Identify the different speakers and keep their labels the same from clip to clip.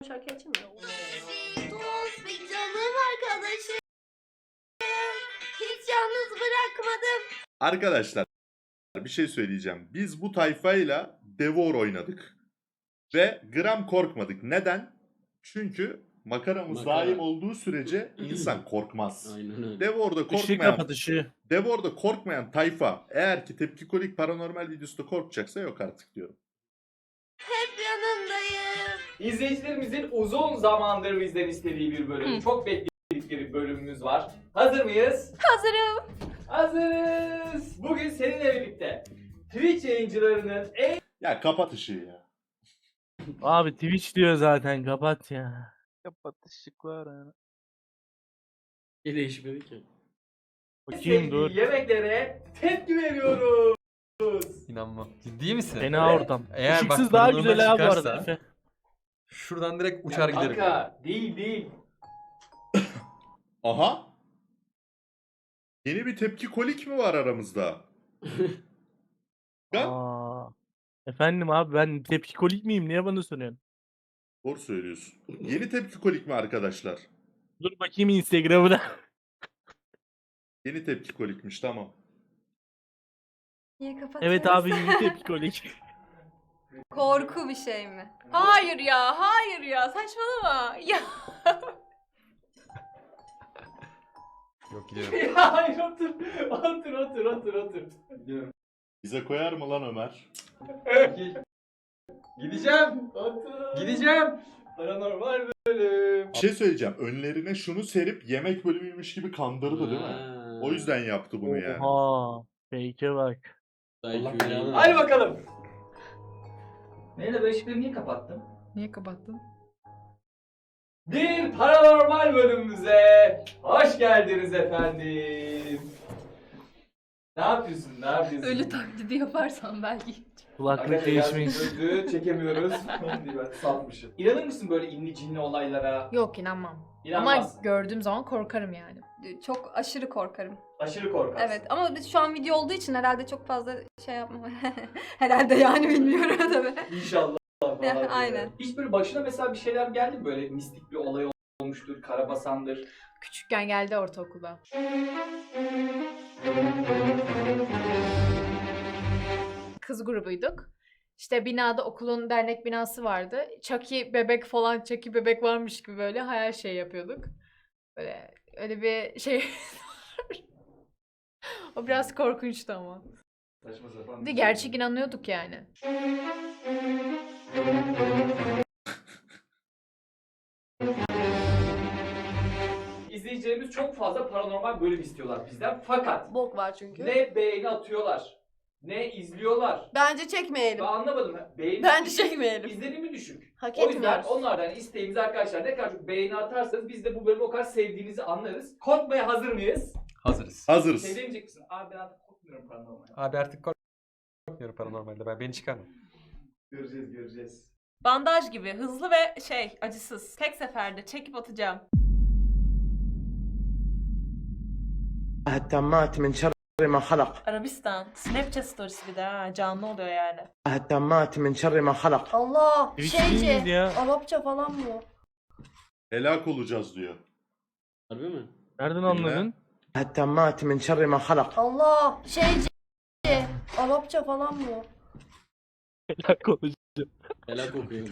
Speaker 1: şarkı açayım mı?
Speaker 2: Dost bir canım arkadaşım. Hiç yalnız bırakmadım.
Speaker 3: Arkadaşlar bir şey söyleyeceğim. Biz bu tayfayla Devor oynadık. Ve gram korkmadık. Neden? Çünkü makaramız
Speaker 4: Makara.
Speaker 3: daim olduğu sürece insan korkmaz.
Speaker 4: Aynen öyle.
Speaker 3: Devor'da
Speaker 5: kapat ışığı.
Speaker 3: Devor'da korkmayan tayfa eğer ki Tepkikolik Paranormal videosunda korkacaksa yok artık diyorum.
Speaker 2: Hep yanındayım.
Speaker 6: İzleyicilerimizin uzun zamandır bizden istediği bir bölüm. Çok bekledikleri bölümümüz var. Hazır mıyız?
Speaker 2: Hazırım.
Speaker 6: Hazırız. Bugün seninle birlikte Twitch yayıncılarının en
Speaker 3: Ya kapat ışığı ya.
Speaker 5: Abi Twitch diyor zaten, kapat ya.
Speaker 7: Kapat ışıklar ya.
Speaker 4: Bir değişmedi ki.
Speaker 5: Bakayım dur.
Speaker 6: sevdiği yemeklere tepki veriyoruz.
Speaker 7: İnanmam. Ciddi misin?
Speaker 5: Fena
Speaker 6: Evet.
Speaker 5: ortam.
Speaker 7: Eğer bak
Speaker 5: Işıksız daha
Speaker 7: paranormal
Speaker 5: güzel abi bu arada.
Speaker 7: çıkarsa-
Speaker 5: Efe.
Speaker 7: Şuradan direkt uçar giderim.
Speaker 6: Kanka değil.
Speaker 3: Aha. Yeni bir Tepkikolik mi var aramızda? Ben
Speaker 5: Aa. Efendim abi, ben tepkikolik miyim? Niye bana soruyorsun?
Speaker 3: doğru söylüyorsun. Yeni Tepkikolik mi arkadaşlar?
Speaker 5: Dur bakayım Instagram'ına.
Speaker 3: Yeni Tepkikolikmiş, tamam.
Speaker 2: Niye kapatıyorsun?
Speaker 5: Evet abi, yeni tepkikolik.
Speaker 2: Korku bir şey mi? Hayır ya saçmalama. Ya.
Speaker 7: Yok giderim.
Speaker 6: Ya hayır otur. Otur.
Speaker 3: Bize koyar mı lan Ömer?
Speaker 7: Gideceğim.
Speaker 6: Otur.
Speaker 7: Gideceğim.
Speaker 6: Paranormal bölüm.
Speaker 3: Bir şey söyleyeceğim. Önlerine şunu serip yemek bölümüymüş gibi kandırdı değil mi?
Speaker 4: Ha.
Speaker 3: O yüzden yaptı bunu yani.
Speaker 5: Oha. Fake'e bak.
Speaker 4: Allah belanı
Speaker 6: Hadi
Speaker 4: versin.
Speaker 6: bakalım. Neyle ben ışıkları niye kapattım?
Speaker 2: Niye kapattın?
Speaker 6: Bir paranormal bölümümüze hoş geldiniz efendim. Ne yapıyorsun?
Speaker 2: Ölü taklidi yaparsan belki.
Speaker 5: Kulaklık değişmiş.
Speaker 6: Öldü, çekemiyoruz. diye ben salmışım. İnanır mısın böyle inli cinli olaylara?
Speaker 8: Yok inanmam.
Speaker 6: İnanmazsın.
Speaker 8: Ama gördüğüm zaman korkarım yani.
Speaker 2: Çok aşırı korkarım.
Speaker 6: Aşırı korkarsın.
Speaker 2: Evet ama biz şu an video olduğu için herhalde çok fazla şey yapmam. Herhalde yani bilmiyorum tabii.
Speaker 6: İnşallah falan. diye.
Speaker 2: Aynen.
Speaker 6: Hiç böyle başına mesela bir şeyler geldi mi? Böyle mistik bir olay olmuştur, karabasandır.
Speaker 8: Küçükken geldi ortaokulda. Kız grubuyduk. İşte binada okulun dernek binası vardı. Chucky bebek falan, Chucky bebek varmış gibi böyle hayal şey yapıyorduk. Böyle öyle bir şey. O biraz korkunçtu ama.
Speaker 6: Saçma sapan.
Speaker 8: Bir
Speaker 6: bir
Speaker 8: de
Speaker 6: şey.
Speaker 8: gerçek inanıyorduk yani.
Speaker 6: İzleyicilerimiz çok fazla paranormal bölüm istiyorlar bizden. Fakat
Speaker 1: Bok var çünkü.
Speaker 6: ne beğeni atıyorlar, ne izliyorlar.
Speaker 1: Bence
Speaker 6: Ben
Speaker 1: çekmeyelim.
Speaker 6: anlamadım. Beğeni
Speaker 1: Bence
Speaker 6: düşük,
Speaker 1: çekmeyelim.
Speaker 6: İzlenimi düşük.
Speaker 1: Hak
Speaker 6: O yüzden
Speaker 1: etmiyoruz.
Speaker 6: onlardan isteğimiz arkadaşlar ne kadar çok beğeni atarsanız biz de bu bölümü o kadar sevdiğinizi anlarız. Korkmaya hazır mıyız?
Speaker 7: Hazırız.
Speaker 3: Hazırız.
Speaker 6: Şey demeyecek misin? Abi ben artık korkmuyorum paranormal.
Speaker 7: Abi artık korkmuyorum paranormalde. Beni çıkarma.
Speaker 6: Göreceğiz.
Speaker 1: Bandaj gibi hızlı ve acısız. Tek seferde çekip atacağım.
Speaker 9: التامات من شر ما خلق
Speaker 1: Arabistan. Snapchat storiesi bir de ha. Canlı oluyor yani.
Speaker 9: التامات من شر ما خلق
Speaker 8: Allah!
Speaker 5: Twitch değil miydi ya?
Speaker 8: Arapça falan mı?
Speaker 3: Helak olacağız diyor.
Speaker 4: Harbi mi?
Speaker 5: Nereden anladın?
Speaker 9: التامات من şerri ما خلق
Speaker 8: Allah! Arapça falan mı?
Speaker 5: Helak olacağım.
Speaker 4: Helak okuyor.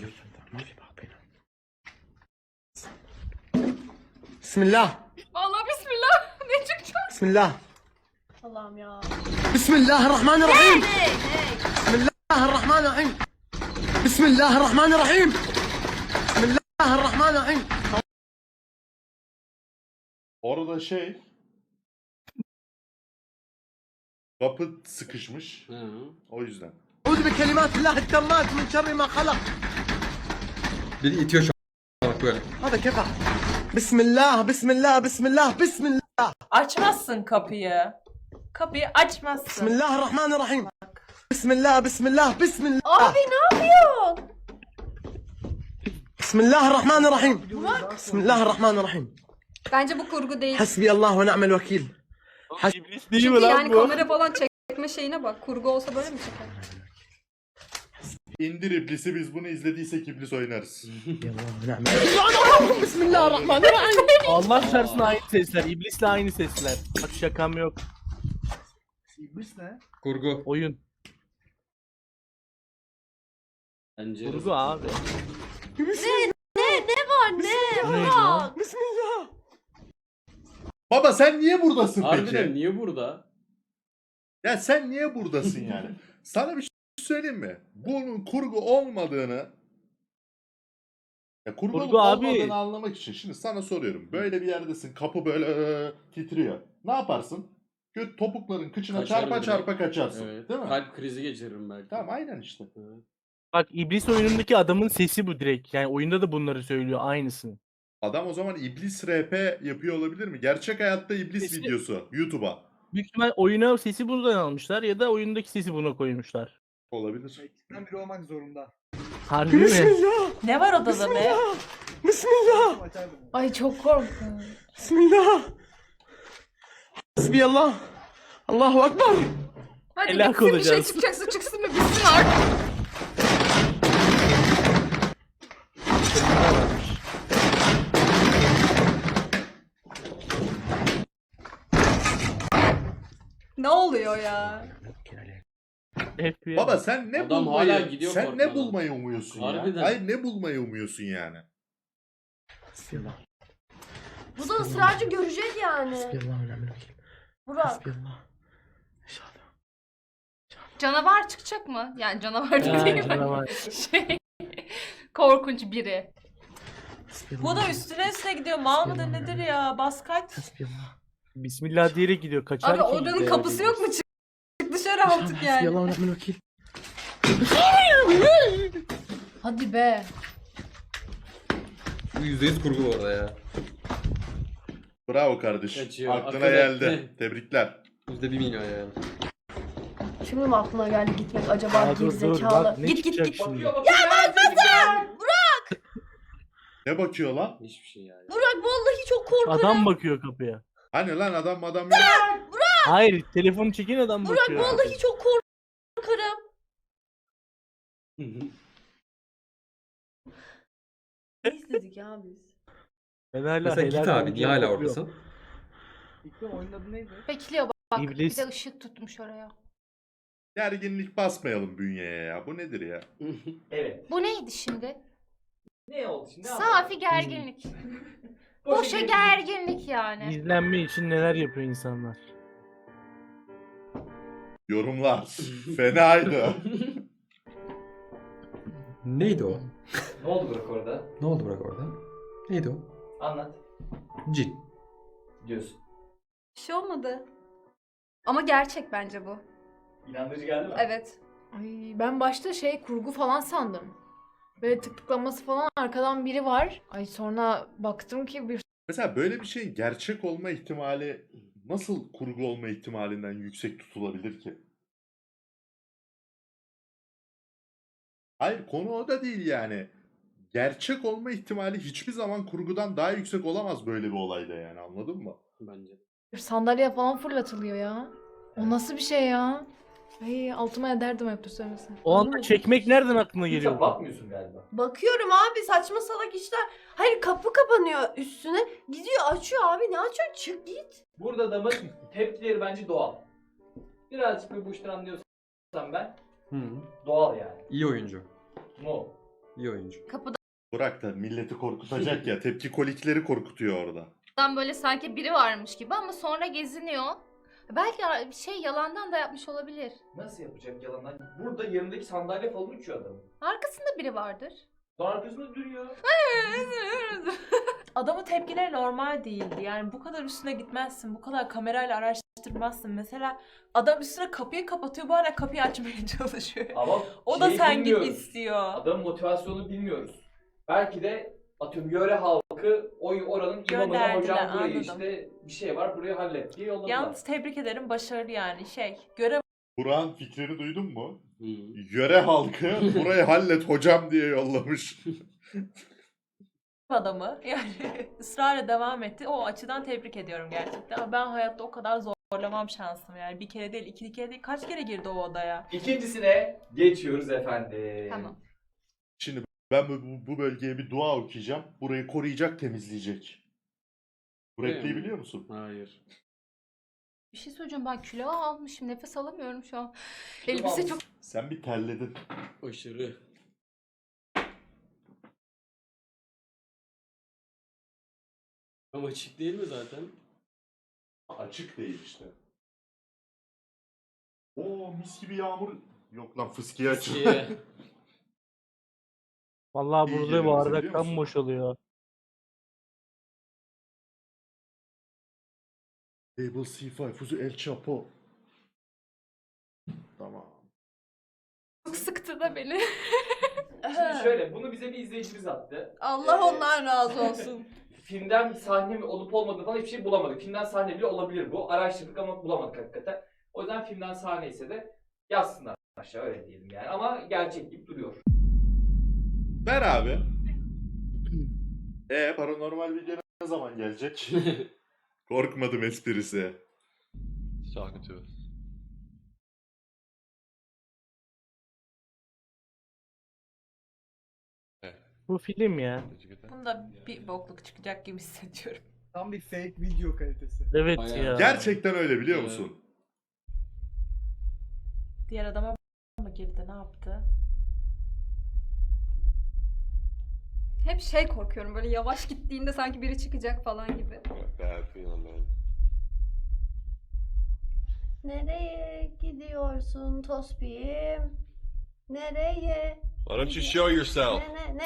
Speaker 9: بسم الله
Speaker 2: Vallahi bismillah. Ne çıkacak?
Speaker 9: بسم الله
Speaker 1: Allah'ım ya.
Speaker 9: بسم الله الرحمن الرحيم بسم الله الرحمن الرحيم بسم الله الرحمن الرحيم بسم الله الرحمن الرحيم
Speaker 3: Orada kapı sıkışmış.
Speaker 4: Ha.
Speaker 3: O yüzden.
Speaker 9: أعوذ بكلمات الله التامات من شر ما خلق
Speaker 7: Beni itiyor şu an. Bak böyle.
Speaker 9: هذا كيف بسم الله بسم الله بسم الله بسم الله
Speaker 1: Açmazsın kapıyı. Kapıyı
Speaker 9: بسم
Speaker 1: açmazsın.
Speaker 9: الله الرحمن الرحيم بسم الله بسم الله بسم الله
Speaker 8: Abi ne yapıyorsun?
Speaker 9: بسم الله الرحمن الرحيم بسم الله الرحمن الرحيم
Speaker 2: Bence bu kurgu değil.
Speaker 9: حسبي الله ونعم الوكيل
Speaker 5: İblis değil
Speaker 2: Çünkü
Speaker 5: mi lan
Speaker 2: yani
Speaker 5: bu?
Speaker 2: kamera falan çekme şeyine bak. Kurgu olsa böyle mi çeker?
Speaker 3: İndir iblisi, biz bunu izlediysek iblis oynarız.
Speaker 9: Bismillahirrahmanirrahim.
Speaker 5: Allah şartsın aynı sesler. İblisle aynı sesler. Bak şakam yok.
Speaker 10: İblis ne?
Speaker 7: Kurgu.
Speaker 5: Oyun.
Speaker 4: Bence.
Speaker 5: Kurgu abi.
Speaker 2: Anne.
Speaker 5: Bu neydi lan?
Speaker 9: Bismillah.
Speaker 3: Baba sen niye buradasın
Speaker 4: Harbiden
Speaker 3: peki?
Speaker 4: niye burada?
Speaker 3: Ya sen niye buradasın yani? Sana bir şey söyleyeyim mi? Bunun kurgu olmadığını kurgu
Speaker 5: Kurgu
Speaker 3: olup
Speaker 5: abi.
Speaker 3: olmadığını anlamak için şimdi sana soruyorum. Böyle bir yerdesin, kapı böyle titriyor. Ne yaparsın? Topukların kıçına
Speaker 4: Kaçarım
Speaker 3: çarpa
Speaker 4: direkt.
Speaker 3: çarpa kaçarsın.
Speaker 4: Evet.
Speaker 3: Değil mi?
Speaker 4: Kalp krizi geçiririm belki.
Speaker 3: Tamam aynen işte.
Speaker 4: Evet.
Speaker 5: Bak iblis oyunundaki adamın sesi bu direkt. Yani oyunda da bunları söylüyor aynısını.
Speaker 3: Adam o zaman iblis RP yapıyor olabilir mi? Gerçek hayatta iblis
Speaker 5: Sesi-
Speaker 3: videosu YouTube'a.
Speaker 5: Büyük ihtimal oyuna sesi buradan almışlar ya da oyundaki sesi buna koymuşlar.
Speaker 3: Olabilir.
Speaker 10: İkisinden biri olmak zorunda.
Speaker 5: Harbi mi?
Speaker 9: Bismillah.
Speaker 1: Ne var odada be?
Speaker 9: Bismillah.
Speaker 10: Açardım.
Speaker 8: Ay çok korktum.
Speaker 9: Bismillah. Hasbiyallah. Allahu Ekber.
Speaker 2: Hadi
Speaker 5: Helak
Speaker 2: bitsin, bir şey
Speaker 5: olacağız.
Speaker 2: çıkacaksa çıksın mı bitsin artık. Ne oluyor ya?
Speaker 5: FBI.
Speaker 3: Baba sen ne
Speaker 4: Adam
Speaker 3: bulmayı
Speaker 4: hala gidiyor
Speaker 3: sen ne
Speaker 4: korkmadan.
Speaker 3: bulmayı umuyorsun ya?
Speaker 4: Harbiden.
Speaker 3: Hayır ne bulmayı umuyorsun yani?
Speaker 9: Bismillah.
Speaker 11: Bu da ısrarcı görecek yani.
Speaker 9: Bismillahirrahmanirrahim.
Speaker 11: Burak.
Speaker 9: Hasbiyallah. İnşallah.
Speaker 2: Canavar çıkacak mı? Yani canavar
Speaker 5: Ha,
Speaker 2: değil mi?
Speaker 5: canavar.
Speaker 2: Şey, korkunç biri.
Speaker 1: Bu da üstüne gidiyor. Mal mıdır nedir ya? Bas kaç.
Speaker 9: Hasbiyallah.
Speaker 5: Bismillah diyerek gidiyor. Kaçar
Speaker 2: Abi
Speaker 5: ki
Speaker 2: odanın
Speaker 5: işte.
Speaker 2: kapısı yok mu? Çık dışarı artık yani.
Speaker 9: Hasbiyallah ve ni'mel vekil.
Speaker 8: Hadi be.
Speaker 7: Bu %100 kurgu bu arada ya.
Speaker 3: Bravo kardeşim.
Speaker 4: Kaçıyor,
Speaker 3: Aklına
Speaker 4: akıl
Speaker 3: geldi.
Speaker 4: etti.
Speaker 3: Tebrikler.
Speaker 7: %1 milyon yani.
Speaker 11: Şimdi mi aklına geldi gitmek acaba
Speaker 5: Aa, dur,
Speaker 11: gerizekalı?
Speaker 5: bak ne
Speaker 11: Git git
Speaker 5: çıkacak
Speaker 11: git.
Speaker 5: şimdi?
Speaker 3: Ne bakıyor lan?
Speaker 4: Hiçbir şey yani.
Speaker 11: Burak vallahi çok korkarım.
Speaker 5: Adam bakıyor kapıya.
Speaker 3: Hani lan adam yok.
Speaker 5: Hayır, telefonu çeken adam
Speaker 11: Burak
Speaker 5: bakıyor.
Speaker 11: vallahi çok korkarım. Ne izledik ya biz?
Speaker 5: Ben hala
Speaker 7: Mesela git
Speaker 5: helal
Speaker 7: abi. Niye
Speaker 5: olsun
Speaker 7: hala
Speaker 5: bakıyorum.
Speaker 7: oradasın?
Speaker 10: İlk oyunun adı neydi?
Speaker 8: Bekliyor bak.
Speaker 5: İblis.
Speaker 8: Bir de ışık tutmuş oraya.
Speaker 3: Gerginlik basmayalım bünyeye ya. Bu nedir ya?
Speaker 6: Evet.
Speaker 8: Bu neydi şimdi?
Speaker 6: Ne oldu şimdi?
Speaker 8: Safi gerginlik. Boşa gerginlik yani.
Speaker 5: İzlenme için neler yapıyor insanlar.
Speaker 3: Yorumlar. Fenaydı.
Speaker 7: Neydi o?
Speaker 6: Ne oldu Burak orada?
Speaker 7: Ne oldu Burak orada? Neydi o?
Speaker 6: Anlat.
Speaker 7: Cin.
Speaker 6: Diyorsun.
Speaker 2: Bir şey olmadı. Ama gerçek bence bu.
Speaker 6: İnandırıcı geldi mi?
Speaker 2: Evet.
Speaker 8: Ay, ben başta kurgu falan sandım. Böyle tıklanması falan arkadan biri var. Ay sonra baktım ki bir
Speaker 3: Mesela böyle bir şeyin gerçek olma ihtimali nasıl kurgu olma ihtimalinden yüksek tutulabilir ki? Hayır konu o da değil yani. Gerçek olma ihtimali hiçbir zaman kurgudan daha yüksek olamaz böyle bir olayda yani anladın mı?
Speaker 4: Bence.
Speaker 8: sandalye falan fırlatılıyor ya. O nasıl bir şey ya? Ay altıma ederdim hep söylemesi.
Speaker 5: O anda çekmek nereden aklına
Speaker 6: Hiç
Speaker 5: geliyor?
Speaker 6: bakmıyorsun galiba.
Speaker 11: Bakıyorum abi saçma salak işler. Hayır kapı kapanıyor üstüne. Gidiyor açıyor abi ne açıyor çık git.
Speaker 6: Burada adamın tepkileri bence doğal. Birazcık bir bu işten anlıyorsam ben
Speaker 7: Hı.
Speaker 6: doğal yani.
Speaker 7: İyi oyuncu.
Speaker 6: Mu.
Speaker 7: İyi oyuncu.
Speaker 3: Bırak da milleti korkutacak ya. Tepki kolikleri korkutuyor orada.
Speaker 2: Tam böyle sanki biri varmış gibi ama sonra geziniyor. Belki bir şey yalandan da yapmış olabilir.
Speaker 6: Nasıl yapacak yalanlar? Burada yanındaki sandalye falan uçuyor adamın.
Speaker 2: Arkasında biri vardır.
Speaker 6: Sonra arkasında duruyor.
Speaker 1: Adamın tepkileri normal değildi. Yani bu kadar üstüne gitmezsin. Bu kadar kamerayla araştırmazsın. Mesela adam üstüne kapıyı kapatıyor. Bu hala kapıyı açmaya çalışıyor.
Speaker 6: Ama
Speaker 1: O da
Speaker 6: şeyi
Speaker 1: sen git
Speaker 6: bilmiyoruz.
Speaker 1: istiyor.
Speaker 6: Adamın motivasyonunu bilmiyoruz. Belki de atıyorum yöre halkı oranın imamına
Speaker 1: Gönderdiler,
Speaker 6: hocam burayı
Speaker 1: anladım.
Speaker 6: işte bir şey var burayı hallet diye yolladılar.
Speaker 1: Yalnız tebrik ederim. Başarılı yani. Görev
Speaker 3: Burak'ın fikrini duydun mu?
Speaker 4: Hı.
Speaker 3: Yöre halkı burayı hallet hocam diye yollamış.
Speaker 1: adamı yani ısrarla devam etti. O açıdan tebrik ediyorum gerçekten. Ama ben hayatta o kadar zor zorlamam şansım yani. Bir kere değil, iki kere değil. Kaç kere girdi o odaya?
Speaker 6: İkincisine geçiyoruz efendim.
Speaker 2: Tamam.
Speaker 3: Şimdi ben bu bölgeye bir dua okuyacağım. Burayı koruyacak, temizleyecek. Bu
Speaker 4: Değil
Speaker 3: repliği
Speaker 4: mi?
Speaker 3: biliyor musun?
Speaker 4: Hayır.
Speaker 2: Bir şey söyleyeceğim, ben kilo almışım, nefes alamıyorum şu an.
Speaker 6: Kilo
Speaker 2: Elbise
Speaker 6: almışsın.
Speaker 2: çok
Speaker 3: Sen bir terledin.
Speaker 4: Aşırı. Ama açık değil mi zaten?
Speaker 3: Açık değil işte. Oo mis gibi yağmur. Yok lan fıskiye açık.
Speaker 4: Ki
Speaker 5: Vallahi
Speaker 3: İyi
Speaker 5: burada
Speaker 3: geliyor
Speaker 5: bu
Speaker 3: bize,
Speaker 5: arada
Speaker 3: biliyor
Speaker 5: kan
Speaker 3: musun?
Speaker 5: boşalıyor.
Speaker 3: Table C5, Fuzu El Chapo. Tamam.
Speaker 2: sıktı da beni.
Speaker 6: Şimdi şöyle, bunu bize bir izleyicimiz attı.
Speaker 11: Allah ondan razı olsun.
Speaker 6: Filmden bir sahne mi olup olmadığını falan hiçbir şey bulamadık. Filmden sahne bile olabilir bu. Araştırdık ama bulamadık hakikaten. O yüzden filmden sahne ise de yazsınlar aşağı, öyle diyelim yani. Ama gerçek gibi duruyor.
Speaker 3: Ver abi. Paranormal video ne zaman gelecek? Korkmadım esprisi.
Speaker 5: Bu film ya.
Speaker 1: Bunda bir bokluk çıkacak gibi hissediyorum.
Speaker 10: Tam bir fake video kalitesi.
Speaker 5: Evet
Speaker 4: Bayağı.
Speaker 5: ya.
Speaker 3: Gerçekten öyle biliyor
Speaker 4: Evet.
Speaker 3: musun?
Speaker 1: Diğer adama mı girdi, ne yaptı?
Speaker 2: Hep şey korkuyorum, böyle yavaş gittiğinde sanki biri çıkacak falan gibi.
Speaker 11: Nereye gidiyorsun Tospi'yim? Nereye?
Speaker 7: Why don't you show yourself?
Speaker 11: Ne?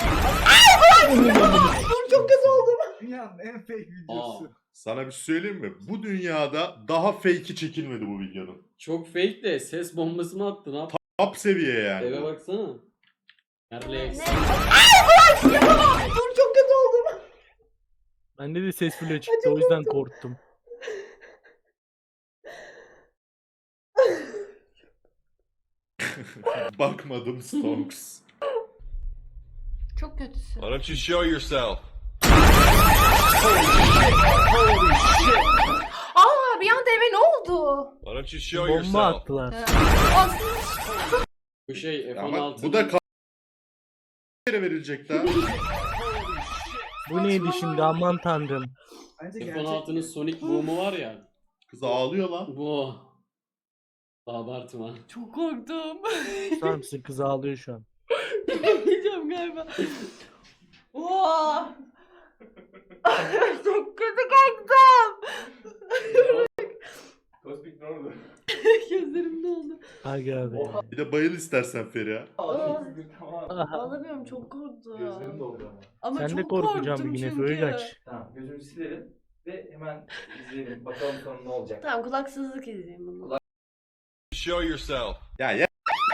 Speaker 10: Dünyanın en fake videosu.
Speaker 3: Sana bir şey söyleyeyim mi? Bu dünyada daha fake'i çekilmedi bu videonun.
Speaker 4: çok fake de ses bombası mı attı? Ne yaptı?
Speaker 3: Top seviye yani.
Speaker 4: Eve
Speaker 3: bu.
Speaker 4: baksana. Nerede?
Speaker 11: Dur çok kötü oldum.
Speaker 5: Bende de ses bile çıktı o yüzden korktum.
Speaker 3: Bakmadım Stonks.
Speaker 2: Çok kötüsün.
Speaker 7: Why don't you show yourself?
Speaker 2: Aa, bir anda eve ne oldu?
Speaker 7: Why don't you show
Speaker 5: Bomba
Speaker 7: yourself?
Speaker 5: attılar.
Speaker 4: Bu şey
Speaker 3: Ama
Speaker 4: F-16.
Speaker 3: bu da yere verilecek daha.
Speaker 5: Bu neydi şimdi aman tanrım.
Speaker 10: Bence gerçek.
Speaker 4: F-16'nın Sonic boom'u var ya.
Speaker 3: Kız ağlıyor lan.
Speaker 4: Bu. Abartma.
Speaker 1: Çok korktum.
Speaker 5: Tutar mısın, kız ağlıyor şu an.
Speaker 1: Yapmayacağım galiba. Oha! Çok kötü korktum.
Speaker 6: Tospik ne oldu?
Speaker 1: Gözlerim doldu.
Speaker 5: Aga abi.
Speaker 6: Oha.
Speaker 3: Bir de bayıl istersen Feriha.
Speaker 6: Tamam.
Speaker 11: Ağlamıyorum çok korktum.
Speaker 6: Gözlerim doldu ama.
Speaker 11: Ama
Speaker 5: Sen de
Speaker 11: çok
Speaker 5: korkacağım
Speaker 11: korktum
Speaker 5: bir yine
Speaker 11: çünkü.
Speaker 5: Föğügaç.
Speaker 6: Tamam, gözümü silelim ve hemen izleyelim. Bakalım sonu ne olacak.
Speaker 11: Tamam kulaksızlık izleyeyim bunu.
Speaker 7: Show yourself.
Speaker 3: Ya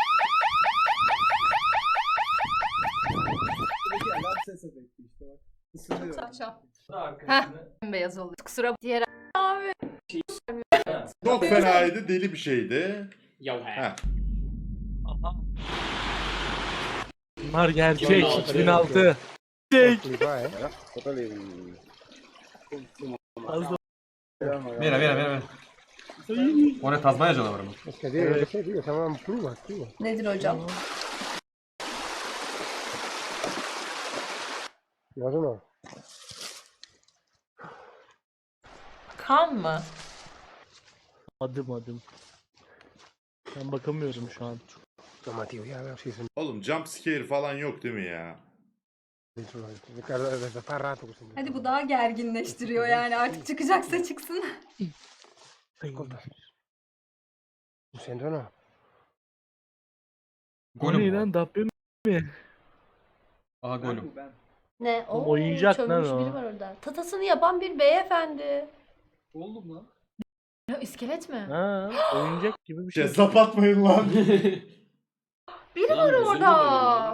Speaker 10: Buradaki alarm ses efekti işte bak. Isınıyor.
Speaker 2: Saçma.
Speaker 6: Arkasını...
Speaker 2: Beyaz oldu. Kusura diğer
Speaker 3: çok fenaydı, deli bir şeydi.
Speaker 4: Ya he.
Speaker 3: Heh.
Speaker 5: Bunlar gerçek.
Speaker 4: Yok,
Speaker 5: 2006. Gerçek. Fazla.
Speaker 7: Mira. O ne Tazmanya canavarı mı?
Speaker 11: Nedir hocam?
Speaker 1: Kan mı?
Speaker 5: Adım. Ben bakamıyorum şu an.
Speaker 3: Oğlum jump scare falan yok değil mi ya?
Speaker 2: Hadi bu daha gerginleştiriyor yani, artık çıkacaksa çıksın.
Speaker 5: Bu ne lan, Dabbe mi?
Speaker 7: Aha
Speaker 10: Ben bu ben.
Speaker 11: Ne?
Speaker 5: Oğlum,
Speaker 11: Oo,
Speaker 5: oyuncak lan
Speaker 11: çömülmüş
Speaker 5: o.
Speaker 11: biri var orada. Tatasını yapan bir beyefendi.
Speaker 10: Oldum lan.
Speaker 8: Ya, iskelet mi?
Speaker 5: Ha, oyuncak gibi bir şey.
Speaker 3: Kezzap atmayın lan.
Speaker 2: Biri
Speaker 4: Lan
Speaker 2: var
Speaker 4: gözünü
Speaker 2: orada.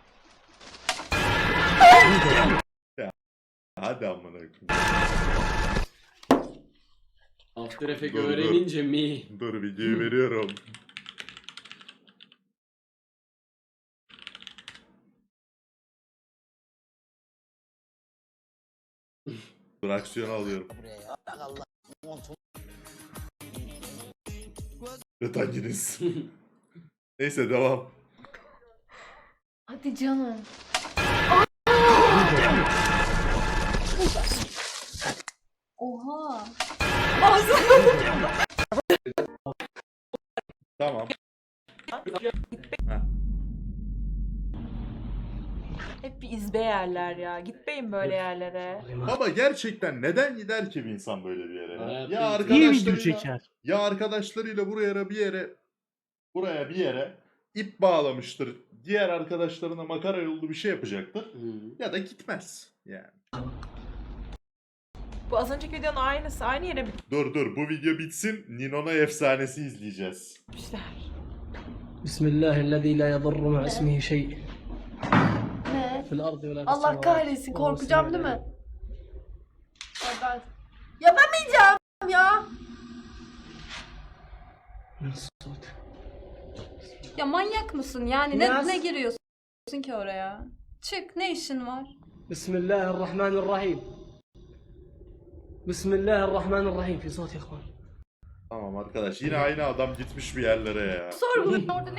Speaker 3: Hadi amına koyayım.
Speaker 4: After Effects
Speaker 3: Dur, dur.
Speaker 4: öğrenince mi?
Speaker 3: Dur videoyu veriyorum. Dur aksiyonu alıyorum. Ve hanginiz? Neyse devam.
Speaker 8: Hadi canım. Oha.
Speaker 3: Tamam.
Speaker 1: Hep bir izbe yerler ya. Gitmeyin böyle yerlere.
Speaker 3: Baba gerçekten neden gider ki bir insan böyle bir yere?
Speaker 4: Hayatım
Speaker 3: Ya
Speaker 5: İyi video
Speaker 3: arkadaşlarıyla,
Speaker 5: çeker.
Speaker 3: ya arkadaşlarıyla buraya bir yere ip bağlamıştır. Diğer arkadaşlarına makara yollu bir şey yapacaktır. Ya da gitmez. Yani.
Speaker 1: Bu az önceki videonun aynısı. Aynı yere
Speaker 3: Dur bu video bitsin. Ninona efsanesi izleyeceğiz.
Speaker 1: bitmişler.
Speaker 9: Bismillahirrahmanirrahim. La yadurru ma ismihi şey.
Speaker 11: Ne?
Speaker 9: Fil ardı ve la fis
Speaker 11: Allah
Speaker 9: semavati.
Speaker 11: kahretsin,
Speaker 9: Ve
Speaker 11: korkacağım değil mi?
Speaker 9: huve
Speaker 11: Ya ben yapamayacağım ya.
Speaker 9: min sut.
Speaker 2: Ya manyak mısın yani?
Speaker 9: Biraz-
Speaker 2: Ne giriyorsun ki oraya? Çık, ne işin var?
Speaker 9: Bismillahirrahmanirrahim. Bismillahirrahmanirrahim. Fi sut ya ikhwan.
Speaker 3: Tamam arkadaş yine aynı adam gitmiş bir yerlere ya.
Speaker 2: Sorgulayın orada ne?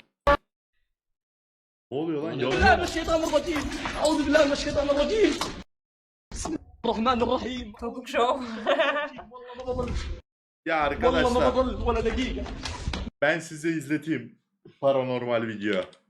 Speaker 3: Ne oluyor lan?
Speaker 9: بالله
Speaker 3: Yalan.
Speaker 9: من الشيطان الرجيم. أعوذ بالله من الشيطان الرجيم. بسم الله الرحمن الرحيم.
Speaker 1: Topuk şov.
Speaker 9: والله ما بضل.
Speaker 3: Ya
Speaker 9: والله ما
Speaker 3: arkadaşlar
Speaker 9: بضل ولا دقيقة.
Speaker 3: ben size izleteyim paranormal video.